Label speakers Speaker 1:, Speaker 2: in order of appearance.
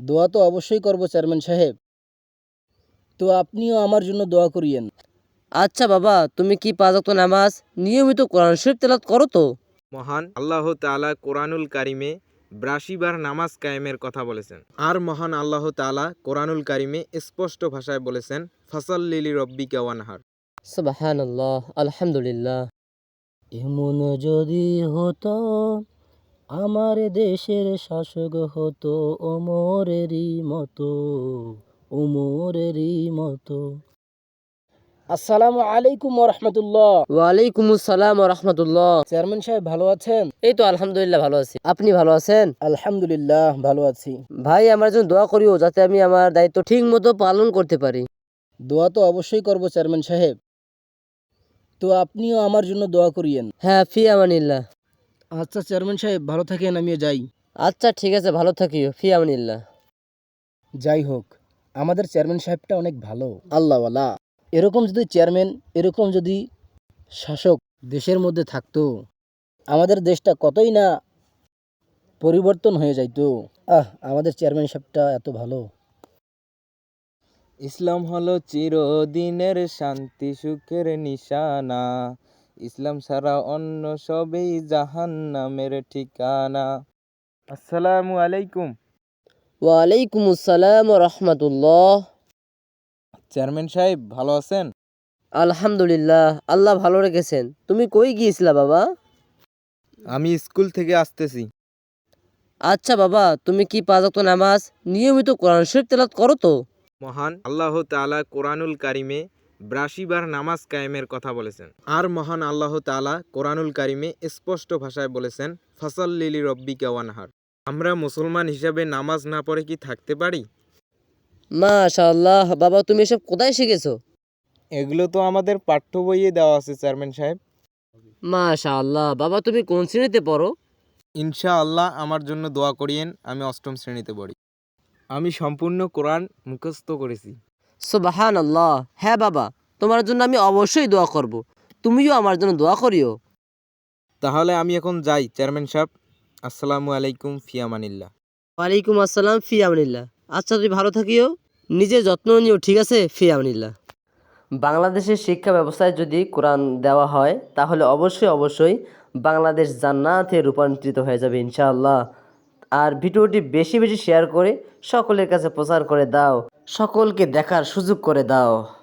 Speaker 1: দোয়া তো অবশ্যই করব চেয়ারম্যান সাহেব। তো আপনিও আমার জন্য দোয়া করিয়েন।
Speaker 2: আচ্ছা বাবা, তুমি কি 5 ওয়াক্ত নামাজ নিয়মিত কোরআন শরীফ তেলাওয়াত করো তো?
Speaker 3: মহান আল্লাহ তাআলা কোরআনুল কারিমে ৮২ বার নামাজ কায়েমের কথা বলেছেন। আর মহান আল্লাহ তাআলা কোরআনুল কারিমে স্পষ্ট ভাষায় বলেছেন, ফাসাল্লি লিরাব্বিকা ওয়ানহার।
Speaker 2: সুবহানাল্লাহ, আলহামদুলিল্লাহ।
Speaker 1: এমন যদি হতো আমার দেশের শাসক হতো ওমরেরই মতো, ওমরেরই মতো। আসসালামু আলাইকুম রহমতুল্লাহ।
Speaker 2: ওয়ালাইকুম আসসালাম ওয়া রাহমাতুল্লাহ।
Speaker 1: চেয়ারম্যান সাহেব ভালো আছেন?
Speaker 2: এই তো আলহামদুলিল্লাহ ভালো আছি। আপনি ভালো আছেন?
Speaker 1: আলহামদুলিল্লাহ ভালো আছি।
Speaker 2: ভাই, আমার জন্য দোয়া করিও যাতে আমি আমার দায়িত্ব ঠিক মতো পালন করতে পারি।
Speaker 1: দোয়া তো অবশ্যই করব চেয়ারম্যান সাহেব। তো আপনিও আমার জন্য দোয়া করিয়েন।
Speaker 2: হ্যাঁ, ফি আমানিল্লাহ।
Speaker 1: আচ্ছা চেয়ারম্যান সাহেব, ভালো থাকেন, আমিও যাই।
Speaker 2: আচ্ছা ঠিক আছে, ভালো থাকিও। ফি আমানিল্লাহ।
Speaker 1: যাই হোক, আমাদের চেয়ারম্যান সাহেবটা অনেক ভালো, আল্লাহওয়ালা। এরকম যদি চেয়ারম্যান, এরকম যদি শাসক দেশের মধ্যে থাকতো, আমাদের দেশটা কতই না পরিবর্তন হয়ে যাইতো। আমাদের চেয়ারম্যান সাহেবটা এত ভালো।
Speaker 3: ইসলাম হলো চিরদিনের শান্তি সুখের নিশানা, ইসলাম ছাড়া অন্য সবই জাহান্নামের ঠিকানা। আসসালামু আলাইকুম।
Speaker 2: ওয়ালাইকুম আসসালাম ওয়া রাহমাতুল্লাহ।
Speaker 3: চেয়ারম্যান সাহেব ভালো আছেন?
Speaker 2: আলহামদুলিল্লাহ, আল্লাহ ভালো রেখেছেন। তুমি কই গিয়েছিলা বাবা?
Speaker 3: আমি স্কুল থেকে আসতেছি।
Speaker 2: আচ্ছা বাবা, তুমি কি 5 ওয়াক্ত নামাজ নিয়মিত কোরআন শরীফ তেলাওয়াত করো তো?
Speaker 3: মহান আল্লাহ তাআলা কোরআনুল কারিমে ৮২ বার নামাজ কায়েমের কথা বলেছেন। আর মহান আল্লাহ তাআলা কোরআনুল কারিমে স্পষ্ট ভাষায় বলেছেন, ফাসাল্লি লিরাব্বিকা ওয়ানহার। আমরা মুসলমান হিসাবে নামাজ না পড়ে কি থাকতে পারি?
Speaker 2: মাশাআল্লাহ, বাবা তুমি এসব কোথায় শিখেছো?
Speaker 3: এগুলো তো আমাদের পাঠ্য বইয়ে দেওয়া আছে চেয়ারম্যান সাহেব।
Speaker 2: মাশাআল্লাহ, বাবা তুমি কোন শ্রেণীতে পড়ো?
Speaker 3: ইনশাআল্লাহ আমার জন্য দোয়া করিয়েন, আমি ৮ম শ্রেণীতে পড়ি। আমি সম্পূর্ণ কোরআন মুখস্থ করেছি।
Speaker 2: সুবহানাল্লাহ। হ্যাঁ বাবা, তোমার জন্য আমি অবশ্যই দোয়া করব। তুমিও আমার জন্য দোয়া করিও।
Speaker 3: তাহলে আমি এখন যাই চেয়ারম্যান সাহেব। আসসালামু আলাইকুম, ফিয়ামানিল্লাহ।
Speaker 2: ওয়ালাইকুম আসসালাম, ফি আমানিল্লাহ। আচ্ছা তুমি ভালো থাকিও, নিজের যত্ন নিও, ঠিক আছে? ফি আমানিল্লাহ। বাংলাদেশের শিক্ষা ব্যবস্থায় যদি কোরআন দেওয়া হয় তাহলে অবশ্যই বাংলাদেশ জান্নাতে রূপান্তরিত হয়ে যাবে ইনশাআল্লাহ। আর ভিডিওটি বেশি বেশি শেয়ার করে সকলের কাছে প্রচার করে দাও, সকলকে দেখার সুযোগ করে দাও।